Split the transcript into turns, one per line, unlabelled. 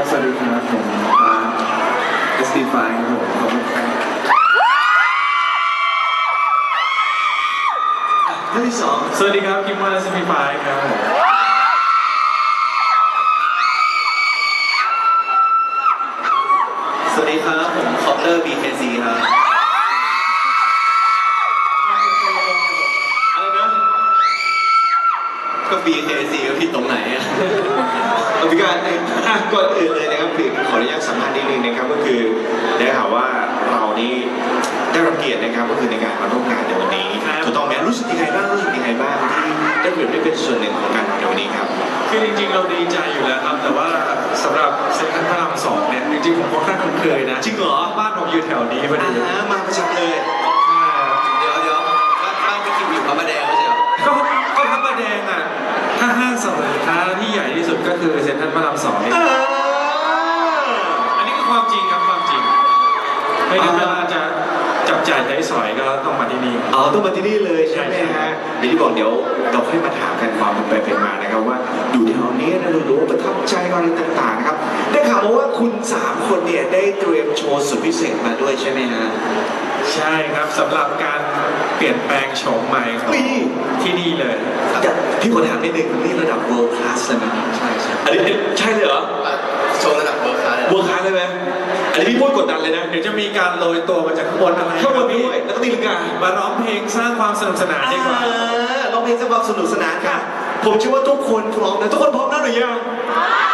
สวัสดีครับผมSP5 ครับผมขอบคุณครับ
ท่านที่สองสวัสดีครับคิมมาSP5ครับผมสวัสดีครับผมคอปเตอร์ BKC ครับอะไรนะก็ BKC ก็ผิดตรงไหนอ่ะพี่การก่อนอื่นเลยนะครับพี่ขออนุญาตสัมภาษณ์นิดนึงนะครับก็คือได้ข่าวว่าเรานี่ได้รับเกียรตินะครับก็คือในการมาร่วมงานในวันนี้ถูกต้องไหมรู้สึกยังไงบ้างที่ได้เป็นส่วนหนึ่งของการในวันนี้ครับคือจริงๆเราดีใจอยู่แล้วครับแต่ว่าสำหรับเซ็นทรัลพระราม2เนี่ยจริงๆผมค่อนข้างคุ้นเคยนะจริงเหรอบ้านผมอยู่แถวนี้พอดีมาประจำเลยเดี๋ยวบ้านพี่คิมอยู่พระประแดงไม่ใช่เหรอก็พระประแดงอ่ะถ้าห้างสรรพสินค้าที่ใหญ่ที่สุดก็คือเซ็นทรัลพระราม2นี่อันนี้คือความจริงครับความจริงไม่งั้นเวลาจะจับจ่ายใช้สอยก็ต้องมาที่นี่ต้องมาที่นี่เลยใช่ไหมฮะอย่างที่บอกเดี๋ยวเราค่อยมาถามกันความเป็นไปเป็นมานะครับว่าอยู่แถวนี้นะรู้ว่าประทับใจอะไรต่างๆนะครับได้ข่าวมาว่าคุณ3คนเนี่ยได้เตรียมโชว์สุดพิเศษมาด้วยใช่ไหมฮะใช่ครับสำหรับการเปลี่ยนแปลงโฉมใหม่ของที่นี่เลยพี่ขอถามนิดนึงนี่ระดับ world class เลยไหมใช่อันนี้ใช่เลยเหรอโชว์ระดับ world class เลยไหมอันนี้พี่พูดกดดันเลยนะเดี๋ยวจะมีการโรยตัวมาจากข้างบนอะไรข้างบนด้วยแล้วก็ตีลังกามาร้องเพลงสร้างความสนุกสนานดีกว่าร้องเพลงสร้างความสนุกสนานค่ะผมเชื่อว่าทุกคนพร้อมนะทุกคนพร้อมแล้วหรือยัง